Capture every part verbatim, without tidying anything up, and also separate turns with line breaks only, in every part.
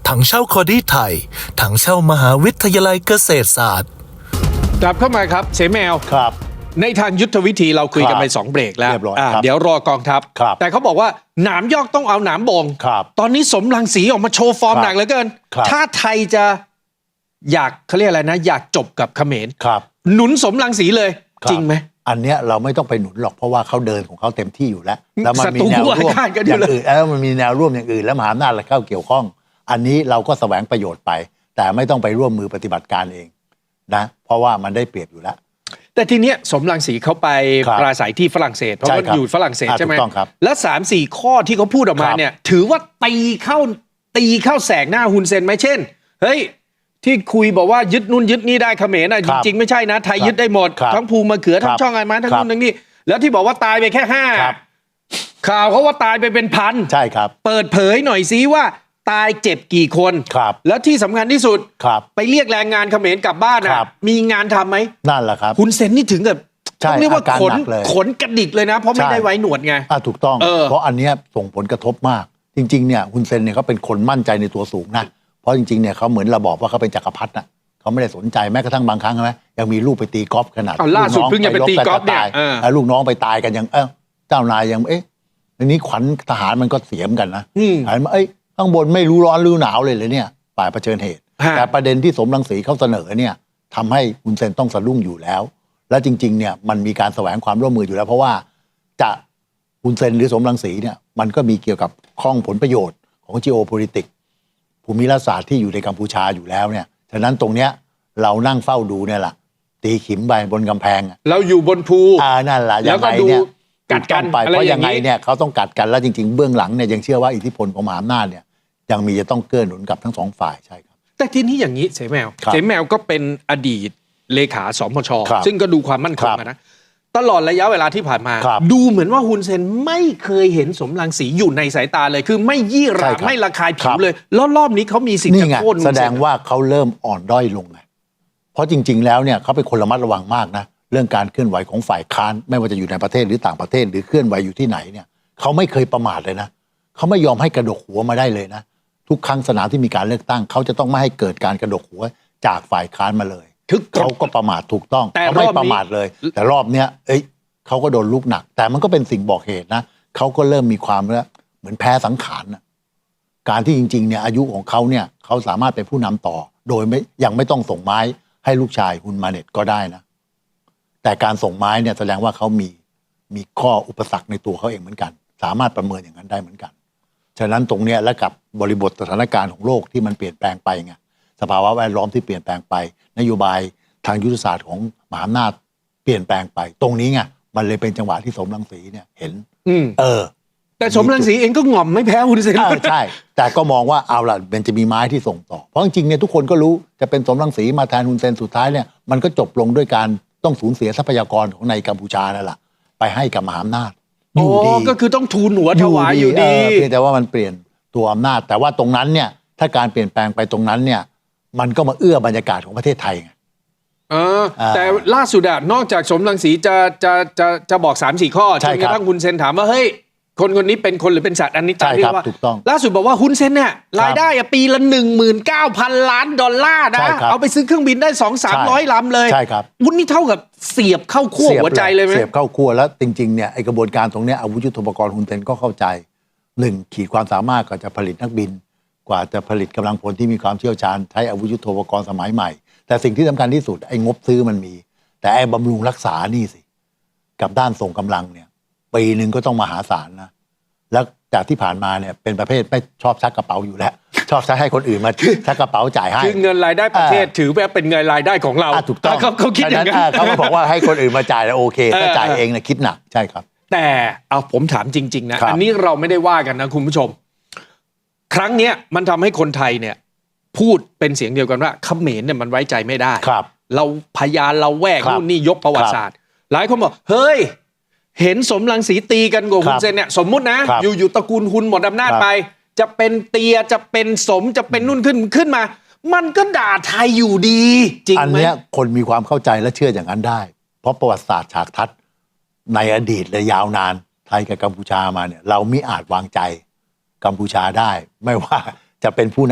ถังเช่าคอดี้ไทยถังเช่ามหาวิทยาลัยเกษตรศาสตร์
กลับเข้ามาครับเสแมว
ครับ
ในทางยุทธวิธีเราคุยกันไปสองเบรกแล้วเดี๋ยวรอกองทัพแต่เขาบอกว่าหนามยอกต้องเอาหนามบ่งตอนนี้สมรังสีออกมาโชว์ฟอร์มหนักเหลือเกินถ้าไทยจะอยากเขาเรียกอะไรนะอยากจบกับเขมรหนุนสมรังสีเลยจริงไหม
อันเนี้ยเราไม่ต้องไปหนุนหรอกเพราะว่าเขาเดินของเขาเต็มที่อยู่แล้วแล้วมันมีแนวร่วมอย่างอื่นแล้วมันมีแนวร่วมอย่างอื่นแล้วมหาอำนาจเข้าเกี่ยวข้องอันนี้เราก็แสวงประโยชน์ไปแต่ไม่ต้องไปร่วมมือปฏิบัติการเองนะเพราะว่ามันได้เปรียบอยู่แล้ว
แต่ทีเนี้ยสมรังสีเขาไปปราศัยที่ฝรั่งเศสเพราะว่าอยู่ฝรั่งเศสใช่ไหมแล้วสามสี่ข้อที่เขาพูดออกมาเนี่ยถือว่าตีเข้าตีเข้าแสกหน้าฮุนเซนไหมเช่นเฮ้ยที่คุยบอกว่ายึดนู่นยึดนี่ได้เขมรนะจริงๆไม่ใช่นะไทยยึดได้หมดทั้งภูมะเขือทั้งช่องไอ้ไม้ทั้งนู่นทั้งนี่แล้วที่บอกว่าตายไปแค่ห้าข่าวเขาว่าตายไปเป็นพัน
ใช่ครับ
เปิดเผยหน่อยซิว่าตายเจ็บกี่คนแล้วที่สำคัญที่สุดไปเรียกแรงงานเขมรกลับบ้านนะมีงานทำไหม
นั่นแหละครับ
คุณเซนนี่ถึงกับต้องเรียกว่าขนขนกระดิกเลยนะเพราะไม่ได้ไว้หนวดไง
ถูกต้องเพราะอันนี้ส่งผลกระทบมากจริงๆเนี่ยคุณเซนเนี่ยเขาเป็นคนมั่นใจในตัวสูงนะเพราะจริงๆเนี่ยเขาเหมือนเราบอกว่าเขาเป็นจักรพรรดิน่ะเขาไม่ได้สนใจแม้กระทั่งบางครั้งใช่ไหมยังมีลูกไปตีกอล์ฟขนาด
ล่าสุดเพิ่งจะไปตีกอล์ฟเนี่ย
ลูกน้องไปตายกันยังเออเจ้านายยังเอ๊ะอันนี้ขวัญทหารมันก็เสียมกันนะหันมาเอ้ยข้างบนไม่รู้ร้อนรู้หนาวเลยเลยเนี่ยฝ่ายเผชิญเหตุแต่ประเด็นที่สมรังสีเขาเสนอเนี่ยทำให้คุณเซนต้องสะดุ้งอยู่แล้วและจริงๆเนี่ยมันมีการแสวงความร่วมมืออยู่แล้วเพราะว่าจะคุณเซนหรือสมรังสีเนี่ยมันก็มีเกี่ยวกับข้องผลประโยชน์ของ geopolitics ภูมิรัฐศาสตร์ที่อยู่ในกัมพูชาอยู่แล้วเนี่ยฉะนั้นตรงเนี้ยเรานั่งเฝ้าดูเนี่ยแหละตีขิมไปบนกำแพง
เราอยู่บนภู
อ่านั่นแหละ
แล้วก็ดูกัดกัน
ไปเพราะยังไงเนี่ยเขาต้องกัดกันแล้วจริงๆเบื้องหลังเนี่ยยังเชื่อว่าอิทธิพลของมหาอำนาจเนี่ยยังมีจะต้องเกื้อหนุนกับทั้งสองฝ่ายใช่ครับ
แต่ทีนี้อย่างนี้เสแมวเสแมวก็เป็นอดีตเลขาสมชซึ่งก็ดูความมั่นคงนะตลอดระยะเวลาที่ผ่านมาดูเหมือนว่าฮุนเซนไม่เคยเห็นสมรังสีอยู่ในสายตาเลยคือไม่ยี่หร่าไม่ระคายผิวเลยแล้วรอบนี้เขามีสิ่งจะโค่น
แสดงว่าเขาเริ่มอ่อนด้อยลงไงเพราะจริงๆแล้วเนี่ยเขาเป็นคนระมัดระวังมากนะเรื่องการเคลื่อนไหวของฝ่ายค้านไม่ว่าจะอยู่ในประเทศหรือต่างประเทศหรือเคลื่อนไหวอยู่ที่ไหนเนี่ยเขาไม่เคยประมาทเลยนะเขาไม่ยอมให้กระดกหัวมาได้เลยนะทุกครั้งสนามที่มีการเลือกตั้งเขาจะต้องไม่ให้เกิดการกระดกหัวจากฝ่ายค้านมาเลยเขาก็ประมาทถูกต้องเขาไม่ประมาทเลยแต่รอบเนี้ยเอ้ยเขาก็โดนลูกหนักแต่มันก็เป็นสิ่งบอกเหตุนะเขาก็เริ่มมีความแล้วเหมือนแพ้สังขารนะการที่จริงๆเนี่ยอายุของเขาเนี่ยเขาสามารถเป็นผู้นำต่อโดยไม่ยังไม่ต้องส่งไม้ให้ลูกชายฮุนมาเน็ตก็ได้นะแต่การส่งไม้เนี่ยแสดงว่าเขามีมีข้ออุปสรรคในตัวเขาเองเหมือนกันสามารถประเมินอย่างนั้นได้เหมือนกันฉะนั้นตรงเนี้ยและกับบริบทสถานการณ์ของโลกที่มันเปลี่ยนแปลงไปไงสภาวะแวดล้อมที่เปลี่ยนแปลงไปนโยบายทางยุทธศาสตร์ของมหาอำนาจเปลี่ยนแปลงไปตรงนี้ไงมันเลยเป็นจังหวะที่สมรังสีเนี่ยเห็นเออ
แต่สมรังสีเองก็ง่อมไม่แพ้ฮุนเซน
ใช่แต่ก็มองว่าเอาล่ะมันจะมีไม้ที่ส่งต่อเพราะจริงๆเนี่ยทุกคนก็รู้จะเป็นสมรังสีมาแทนฮุนเซนสุดท้ายเนี่ยมันก็จบลงด้วยการต้องสูญเสียทรัพยากรของในกัมพูชานั่นแหละไปให้กับมหาอำนาจ
อยู่ดีก็คือต้องทูลหัวถวายอยู่ดี
เพียงแต่ว่ามันเปลี่ยนตัวอำนาจแต่ว่าตรงนั้นเนี่ยถ้าการเปลี่ยนแปลงไปตรงนั้นเนี่ยมันก็มาเอื้อบรรยากาศของประเทศไทยไง
เออแต่ล่าสุดอะนอกจากสมรังสีจะจะจะจะบอกสามสี่ข้อจนกระทั่งฮุนเซนถามว่าเฮ้ยคนคนนี้เป็นคนหรือเป็นสัตว์อันนี้ตามที่ว่าล่าสุดบอกว่าฮุนเซนเนี่ยรายได้อะปีละหนึ่งหมื่นเก้าพันล้านดอลลาร์นะเอาไปซื้อเครื่องบินได้สองสามร้อยลำเลย
ใช่ครับ
วุ้นนี่เท่ากับเสียบเข้าขั้วหัวใจเลยไหม
เสียบเข้าขั้วแล้วจริงๆเนี่ยไอกระบวนการตรงนี้อาวุธยุทโธปกรณ์ฮุนเซนก็เข้าใจหนึ่งขีดความสามารถก็จะผลิตนักบินกว่าจะผลิตกำลังพลที่มีความเชี่ยวชาญใช้อาวุธยุทโธปกรณ์สมัยใหม่แต่สิ่งที่สำคัญที่สุดไอ้งบซื้อมันมีแต่ไอ้บำรุงรักษานี่สิกับด้านส่งกำลังเนี่ยปีหนึ่งก็ต้องมหาศาลนะแล้วจากที่ผ่านมาเนี่ยเป็นประเภทไม่ชอบชักกระเป๋าอยู่แล้วชอบชักให้คนอื่นมาชักกระเป๋าจ่ายให้
คือเงินรายได้ประเทศถือว่าเป็นเงินรายได้ของเรา
ถูกต้อง
เขาเขาคิดอย่างนั้น
เขาก็บอกว่าให้คนอื่นมาจ่ายแล้วโอเคถ้าจ่ายเองเนี่ยคิดหนักใช่ครับ
แต่เอาผมถามจริงๆนะอันนี้เราไม่ได้ว่ากันนะคุณผู้ชมครั้งเนี้ยมันทำให้คนไทยเนี่ยพูดเป็นเสียงเดียวกันว่าเขมรเนี่ยมันไว้ใจไม่ได้เราพยานเราแวกนู่นนี่ยกประวัติศาสตร์หลายคนบอกเฮ้ยเห็นสมรังสีตีกันกับฮุนเซนเนี่ยสมมุตินะอยู่อยู่ตระกูลฮุนหมดอำนาจไปจะเป็นเตียจะเป็นสมจะเป็นนุ่นขึ้นขึ้นมามันก็ด่าไทยอยู่ดีจริงไหม
อันนี้คนมีความเข้าใจและเชื่ออย่างนั้นได้เพราะประวัติศาสตร์ฉากทัศน์ในอดีตและยาวนานไทยกับกัมพูชามาเนี่ยเราไม่อาจวางใจกัมพูชาได้ไม่ว่าจะเป็นผู้น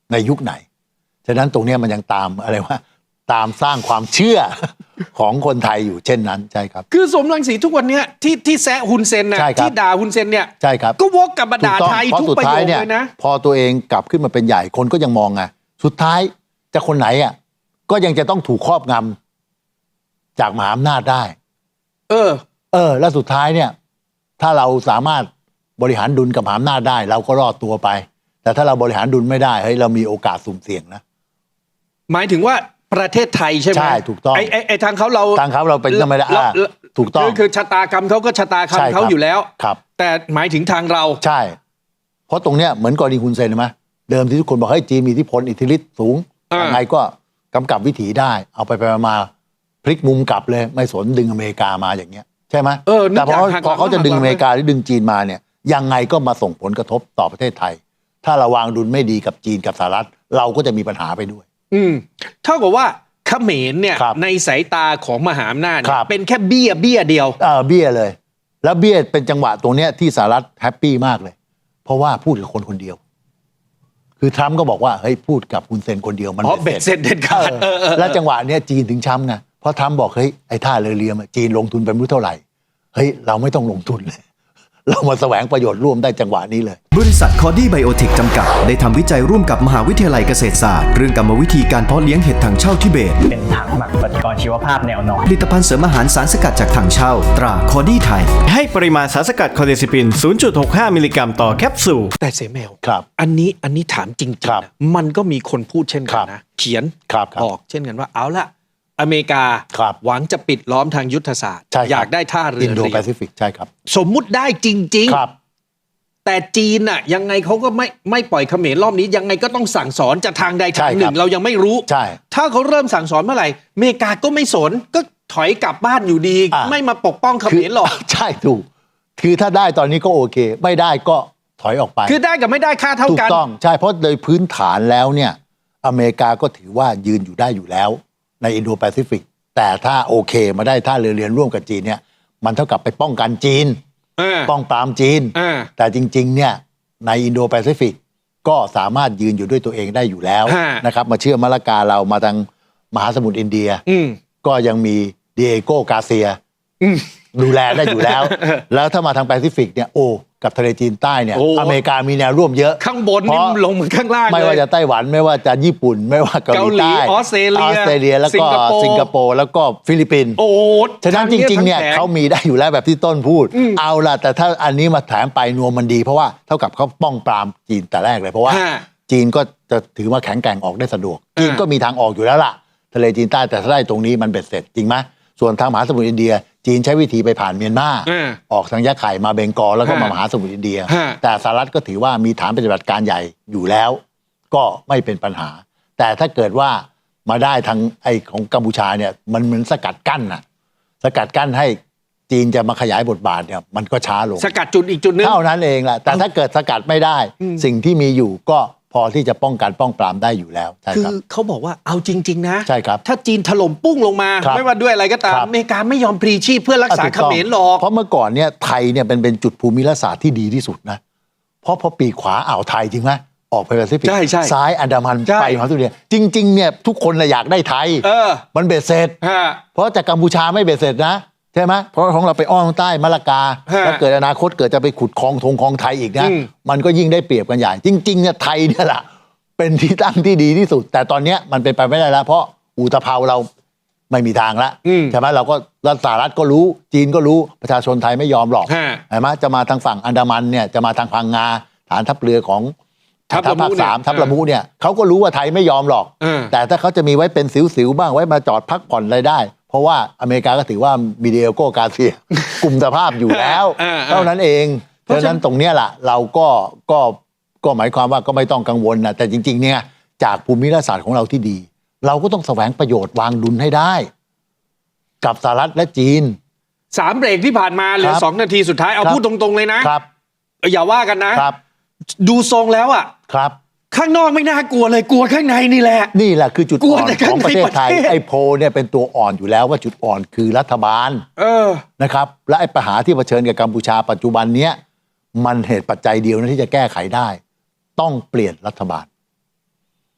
ในยุคไหนฉะนั้นตรงเนี้ยมันยังตามอะไรว่าตามสร้างความเชื่อ ของคนไทยอยู่เช่นนั้นใช่ครับ
คือสมรังสีทุกวันเนี้ยที่ที่แซะฮุนเซนน่ะที่ด่าฮุนเซนเนี่ย
ใช่ครับ
ก็วกกลับมาด่าไทยทุกประโยคเลยนะ
พอตัวเองกลับขึ้นมาเป็นใหญ่คนก็ยังมองไงสุดท้ายจะคนไหนอ่ะก็ยังจะต้องถูกครอบงำจากมหาอำนาจได้
เออ
เออแล้วสุดท้ายเนี่ยถ้าเราสามารถบริหารดุลกับมหาอำนาจได้เราก็รอดตัวไปแต่ถ้าเราบริหารดุลไม่ได้เฮ้ยเรามีโอกาสสุ่มเสี่ยงนะ
หมายถึงว่าประเทศไทยใช่ไหม
ใช่ถูกต้อง
ไอ้ไอ้ไอ้ทางเขาเรา
ทางเขาเราเป็นไม่ได้ถูกต้อง
คือชะตากรรมเขาก็ชะตากรรมเขาอยู่แล้ว
ครับ
แต่หมายถึงทางเรา
ใช่เพราะตรงเนี้ยเหมือนกรณีฮุนเซนใช่ไหมเดิมที่ทุกคนบอกให้จีนมีอิทธิพลอิทธิฤทธิ์สูงยังไงก็กำกับวิถีได้เอาไปไปมาพลิกมุมกลับเลยไม่สนดึงอเมริกามาอย่างเงี้ยใช่ไหมแต่พอพอเขาจะดึงอเมริกาหรือดึงจีนมาเนี่ยยังไงก็มาส่งผลกระทบต่อประเทศไทยถ้าเราวางดุลไม่ดีกับจีนกับสหรัฐเราก็จะมีปัญหาไปด้วย
อืมเท่ากับว่าเขมรเนี่ยในสายตาของมหาอำนาจเป็นแค่เบี้ยเบี้ยเดียว
เออเบี้ยเลยแล้วเบี้ยเป็นจังหวะตรงเนี้ยที่สหรัฐแฮปปี้มากเลยเพราะว่าพูดกับคนคนเดียวคือทรัมป์ก็บอกว่าเฮ้ยพูดกับฮุนเซนคนเดียวมัน
เบ็ดเสร็จเด็ดขาด
แล้วจังหวะเนี้ยจีนถึงช้ำไงเพราะทรัมป์บอกเฮ้ยไอ้ท่าเรือเรียมจีนลงทุนไปไม่รู้เท่าไหร่เฮ้ยเราไม่ต้องลงทุนเลยเรามาแสวงประโยชน์ร่วมได้จังหวะนี้เลย
บริษัทคอดี้ไบโอเทคจำกัดได้ทำวิจัยร่วมกับมหาวิทยาลัยเกษตรศาสตร์เรื่องกรรมวิธีการเพาะเลี้ยงเห็ดถังเช่าทิเบต
เป็นถังหมักปฏิกรณ์ชีวภาพแนวนอน
ผลิตภัณฑ์เสริมอาหารสารสกัดจากถังเช่าตราคอดี้ไทย
ให้ปริมาณสารสกัดคอเดซิปิน ศูนย์จุดหกห้า มิลลิกรัมต่อแคปซูล
แต่เสแมว
ครับ
อันนี้อันนี้ถามจริงๆนะมันก็มีคนพูดเช่นกันนะเขียนบอกเช่นกันว่าเอาละอเมริกาหวังจะปิดล้อมทางยุทธศาสตร์อยากได้ท่าเรืออิ
นโดแปซิฟิกใช่ครับ
สมมุติได้จริงๆแต่จีนน่ะยังไงเขาก็ไม่ไม่ปล่อยเขมรรอบนี้ยังไงก็ต้องสั่งสอนจะทางใดทางหนึ่งเรายังไม่รู้ถ้าเขาเริ่มสั่งสอนเมื่อไหร่อเมริกาก็ไม่สนก็ถอยกลับบ้านอยู่ดีไม่มาปกป้องเขมรหรอก
ใช่ถูกคือถ้าได้ตอนนี้ก็โอเคไม่ได้ก็ถอยออกไป
คือได้กับไม่ได้ค่าเท่ากัน
ถูกต้องใช่เพราะโดยพื้นฐานแล้วเนี่ยอเมริกาก็ถือว่ายืนอยู่ได้อยู่แล้วในอินโดแปซิฟิกแต่ถ้าโอเคมาได้ท่าเรือเรียนร่วมกับจีนเนี่ยมันเท่ากับไปป้องกันจีนป้องปรามจีนแต่จริงๆเนี่ยในอินโดแปซิฟิกก็สามารถยืนอยู่ด้วยตัวเองได้อยู่แล้วนะครับมาเชื่อมมะละกาเรามาทางมหาสมุทรอินเดียก็ยังมีดิเอโกกาเซียดูแลได้อยู่แล้วแล้วถ้ามาทางแปซิฟิกเนี่ยโอ้กับทะเลจีนใต้เนี่ยอเมริกามีแนวร่วมเยอะ
ข้างบนนี่ลงเหมือนข้างล่าง
ไม่ว่าจะไต้หวันไม่ว่าจะญี่ปุ่นไม่ว่าเกาหลีใต้
ออสเตรเลีย
ออสเตรเลียแล้วก็สิงคโปร์แล้วก็ฟิลิปปินส์
โอ้
ฉะนั้นจริงๆเนี่ยเขามีได้อยู่แล้วแบบที่ต้นพูดเอาล่ะแต่ถ้าอันนี้มาแถมไปนวมมันดีเพราะว่าเท่ากับเขาป้องปรามจีนแต่แรกเลยเพราะว่าจีนก็จะถือว่าแข็งแกร่งออกได้สะดวกจีนก็มีทางออกอยู่แล้วล่ะทะเลจีนใต้แต่ถ้าได้ตรงนี้มันเบ็ดเสร็จจริงไหมส่วนทางมหาสมุทรอินเดียจีนใช้วิธีไปผ่านเมียนมาออกทางยะไข่มาเบงกอลแล้วก็มามหาสมุทรอินเดียแต่สหรัฐก็ถือว่ามีฐานปฏิบัติการใหญ่อยู่แล้วก็ไม่เป็นปัญหาแต่ถ้าเกิดว่ามาได้ทางไอของกัมพูชาเนี่ยมันเหมือนสกัดกั้นน่ะสกัดกั้นให้จีนจะมาขยายบทบาทเนี่ยมันก็ช้าลง
สกัดจุดอีกจุดนึง
เท่านั้นเองแหละแต่ถ้าเกิดสกัดไม่ได้สิ่งที่มีอยู่ก็พอที่จะป้องกันป้องปรามได้อยู่แล้วใช่ครับ
คือเขาบอกว่าเอาจริงๆนะ
ใช่ครับ
ถ้าจีนถล่มปุ้งลงมาไม่ว่าด้วยอะไรก็ตามอเมริกาไม่ยอมพลีชีพเพื่อรักษาเขมรหรอก
เพราะเมื่อก่อนเนี่ยไทยเนี่ยเป็นเป็นจุดภูมิรัฐศาสตร์ที่ดีที่สุดนะเพราะพอปีขวาอ่าวไทยจริงไหมออกไปแปซิฟิกซ้ายอันดามันไปมหาสมุทรอินเดียจริงๆเนี่ยทุกคนเลยอยากได้ไทยมันเบ็ดเสร็จเพราะจากกัมพูชาไม่เบ็ดเสร็จนะใช่ไหมเพราะของเราไปอ้อมใต้มะละกาแล้วเกิดอนาคตเกิดจะไปขุดคลองทงคลองไทยอีกนะมันก็ยิ่งได้เปรียบกันใหญ่จริงๆเนี่ยไทยเนี่ยแหละเป็นที่ตั้งที่ดีที่สุดแต่ตอนนี้มันเป็นไปไม่ได้แล้วเพราะอุตภาวเราไม่มีทางแล้วใช่ไหมเราก็รัฐสหรัฐก็รู้จีนก็รู้ประชาชนไทยไม่ยอมหรอกใช่ไหมจะมาทางฝั่งอันดามันเนี่ยจะมาทางพังงาฐานทัพเรือของทัพภาคสามทัพละมุเนี่ยเขาก็รู้ว่าไทยไม่ยอมหรอกแต่ถ้าเขาจะมีไว้เป็นสิวๆบ้างไว้มาจอดพักผ่อนอะไรได้เพราะว่าอเมริกาก็ถือว่ามีเดียโกกาเซียกลุ่มสภาพอยู่แล้วเท่านั้นเองเพราะฉะนั้นตรงเนี้ยแหละเราก็ก็ก็หมายความว่าก็ไม่ต้องกังวลนะแต่จริงๆเนี่ยจากภูมิรัฐศาสตร์ของเราที่ดีเราก็ต้องแสวงประโยชน์วางดุลให้ได้กับสหรัฐและจีน
สามเบรกที่ผ่านมาเหลือสองนาทีสุดท้ายเอาพูดตรงๆเลยนะครับอย่าว่ากันนะครับดูทรงแล้วอ่ะ
ครับ
ข้างนอกไม่น่ากลัวเลยกลัวข้างในนี่แหละ
นี่แหละคือจุดอ่อนของประเทศไทยไอ้โพเนี่ยเป็นตัวอ่อนอยู่แล้วว่าจุดอ่อนคือรัฐบาล
เออ
นะครับและไอ้ปัญหาที่เผชิญกับกัมพูชาปัจจุบันเนี้ยมันเหตุปัจจัยเดียวนะที่จะแก้ไขได้ต้องเปลี่ยนรัฐบาล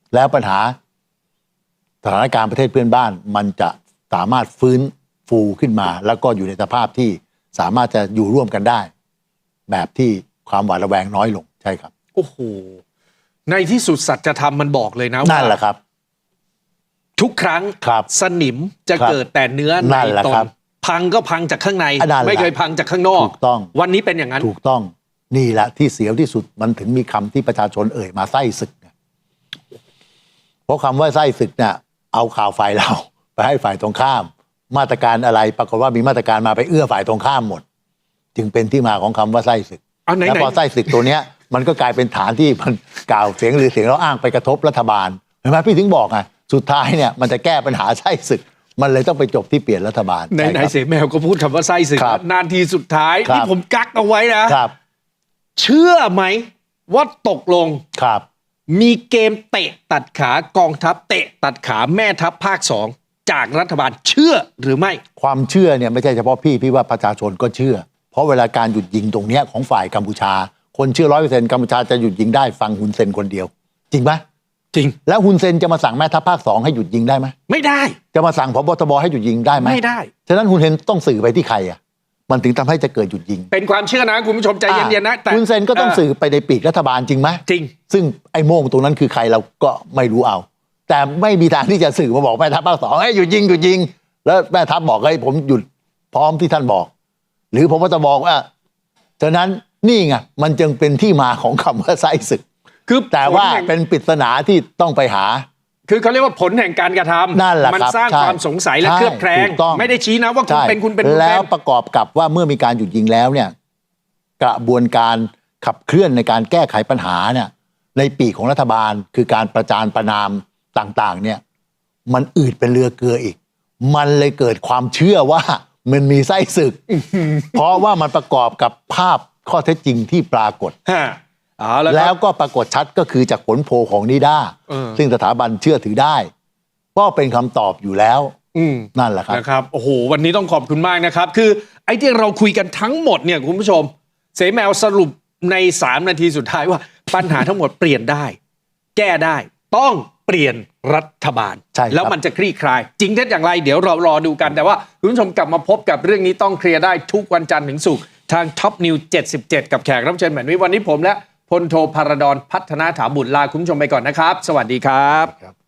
แล้วปัญหาสถานการณ์ประเทศเพื่อนบ้านมันจะสามารถฟื้นฟูขึ้นมา แล้วก็อยู่ในสภาพที่สามารถจะอยู่ร่วมกันได้ แบบที่ความหวาดระแวงน้อยลงใช่ครับ
โอ้โหในที่สุดสัจธรรมมันบอกเลยนะว่า
นั่นแหละครับ
ทุกครั้ง
ครับ
สนิมจะ
ครับ
เกิดแต่เนื้อใน
นั่นแหละ
ตน
ครับ
พังก็พังจากข้างใน
นั่นแหละ
ไม่เคยพังจากข้างนอก
ถูกต้อง
วันนี้เป็นอย่างนั้น
ถูกต้องนี่แหละที่เสียวที่สุดมันถึงมีคำที่ประชาชนเอ่ยมาไส้ศึกเนี่ยเพราะคำว่าไส้ศึกเนี่ยเอาข่าวฝ่ายเราไปให้ฝ่ายตรงข้าม มาตรการอะไรปรากฏว่ามีมาตรการมาไปเอื้อฝ่ายตรงข้ามหมด จึงเป็นที่มาของคำว่าไส้ศึก
เอาไหนๆ
แล้วพอไส้ศึกตัวเนี้ยมันก็กลายเป็นฐานที่มันกล่าวเสียงหรือเสียงเราอ้างไปกระทบรัฐบาลเห็นไหมพี่ถึงบอกไงสุดท้ายเนี่ยมันจะแก้ปัญหาไส้ศึก มันเลยต้องไปจบที่เปลี่ยนรัฐบาล
ไหน
ใช่
ไหน
ครับ
เสแมวก็พูดคำว่าไส้ศึก
ครับ
นานทีสุดท้าย
ครับ
นี่ผมกักเอาไว้นะครับ เชื่อไหมว่าตกลง
ครับ
มีเกมเตะตัดขากองทัพเตะตัดขาแม่ทัพภาคสองจากรัฐบาลเชื่อหรือไม่
ความเชื่อเนี่ยไม่ใช่เฉพาะพี่พี่ว่าประชาชนก็เชื่อ เพราะเวลาการหยุดยิงตรงเนี้ยของฝ่ายกัมพูชา คนเชื่อร้อยเปอร์เซ็นต์กัมพูชาจะหยุดยิงได้ฟังฮุนเซนคนเดียว จริงไหม
จริง
แล้วฮุนเซนจะมาสั่งแม่ทัพภาคสองให้หยุดยิงได้ไหม
ไม่ได้
จะมาสั่งพบทบให้หยุดยิงได้ไหม
ไม่ได้
ฉะนั้นฮุนเซนต้องสื่อไปที่ใครอ่ะมันถึงทำให้จะเกิดหยุดยิง
เป็นความเชื่อนะคุณผู้ชมใจเย็นๆนะแต่
ฮุนเซนก็ต้องสื่อไปในปีกรัฐบาลจริงไหม
จริง
ซึ่งไอ้โม่งตรงนั้นคือใครเราก็ไม่รู้เอา แต่ไม่มีทางที่จะสื่อมาบอกแม่ทัพภาคสองให้หยุดยิงหยุดยิง แล้วแม่ทัพบอกให้ผมหยุดพร้อมที่ท่านบอก หรือผมก็จะบอกว่าฉะนั้นนี่ไงมันจึงเป็นที่มาของคำว่าไส้ศึก
คือ
แต่ว่า
ผลแห่ง
เป็นปริศนาที่ต้องไปหา
คือเขาเรียกว่าผลแห่งการกระทำ
นั่นแหละ
มัน
ครับ
สร้าง
ใช่
ความสงสัยและ
ใช่
เคลือบแคลง
ถูกต้อง
ไม่ได้ชี้นะว่าคุณ
ใช่
เป็นคุณเป็นคุณ
แล้ว
เป็น
ประกอบกับว่าเมื่อมีการหยุดยิงแล้วเนี่ยกระบวนการขับเคลื่อนในการแก้ไขปัญหาเนี่ยในปีกของรัฐบาลคือการประจานประนามต่างๆเนี่ยมันอืดเป็นเรือเกลืออีก มันเลยเกิดความเชื่อว่ามันมีไส้ศึก เพราะว่ามันประกอบกับภาพข้อเท็จจริงที่ปรากฏ
ฮะเอาแล้ว
แล้ว
ก็
ก็ปรากฏชัดก็คือจากผลโพลของนิด้า
เออ
ซึ่งสถาบันเชื่อถือได้ก็เป็นคำตอบอยู่แล้ว
อืม
นั่นแหละครับ
นะครับโอ้โหวันนี้ต้องขอบคุณมากนะครับ คือไอ้ที่เราคุยกันทั้งหมดเนี่ยคุณผู้ชม เสแมวสรุปในสามนาทีสุดท้ายว่า ปัญหาทั้งหมดเปลี่ยนได้ แก้ได้ ต้องเปลี่ยนรัฐบาล
ใช่ครับ
แล้วมันจะคลี่คลาย จริงเท็จอย่างไรเดี๋ยวเรารอดูกันแต่ว่าคุณผู้ชมกลับมาพบกับเรื่องนี้ต้องเคลียร์ได้ทุกวันจันทร์ถึงศุกร์ทาง Top News เจ็ดสิบเจ็ดกับแขกรับเชิญแบบนี้วันนี้ผมและพลโทพารดรพัฒนาถาบุตรลาคุณผู้ชมไปก่อนนะครับ สวัสดีครับ